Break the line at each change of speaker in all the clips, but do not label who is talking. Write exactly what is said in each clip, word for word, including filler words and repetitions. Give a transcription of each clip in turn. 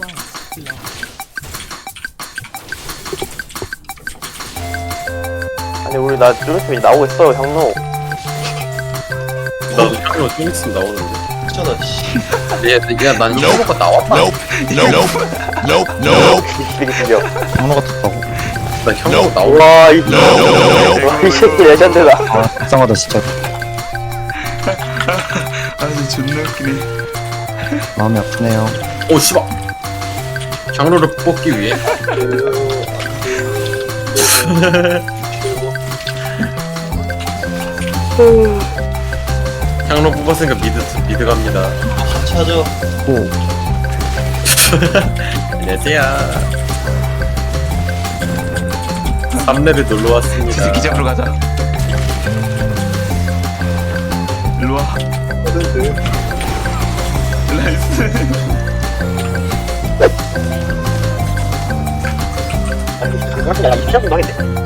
아니 우리 나 좀 있으면 나오고 있어 향로.
나도 향로 좀 있으면 나오는데.
미쳤다 씨.
얘, 야, 난 향로가 나왔다.
Nope. Nope. Nope. Nope.
되게 죽여.
향로가 떴다고?
나 향로가 나오고.
와이
No.
와, 이 새끼 레전드다.
아 불쌍하다 진짜.
아 진짜 존나 웃기네.
마음이 아프네요.
오, 씨발. 향로를 뽑기 위해. 향로 뽑았으니까 미드, 미드 갑니다.
찾아.
오.
안녕하세요. 삼례를 놀러 왔습니다.
지새끼 잡으러 가자. 일로와. 나이스.
그렇게 나가 시작 좀 하겠네.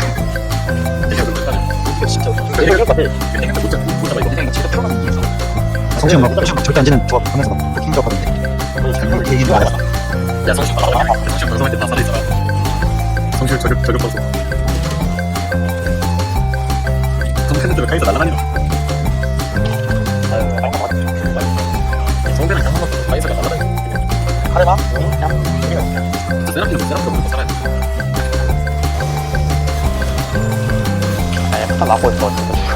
진짜 되게 그럴 것 같아.
성시형 막 성시형 절대 안 지는 조합 하면서 막 힘들었거든요. 얘기는 안 했어.
야, 성실, 성실 방송할 때 다 살아있어라. 성실 저격, 저격 방송. 성태는 카이사 날라다니노. 성태는 그냥 한번 카이사가 날라다니노.
하려나?
세라핀은 세라핀은 못 살아야 돼.
아니 약간 막고 있어.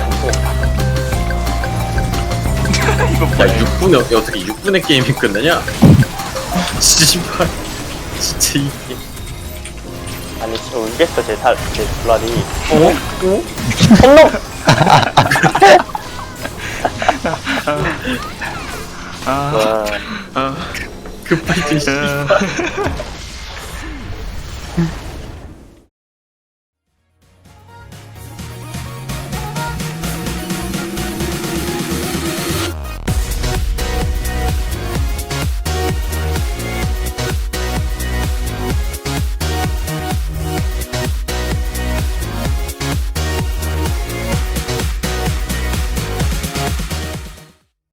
이거
야, 육 분에, 어떻게 육 분에 게임이 끝나냐? 진짜 신발. 진짜 이 게임.
아니 지금 울겠어 제탈제 블라디.
어? 어?
손놈.
아,
와.
아,
급발진 씨.
아.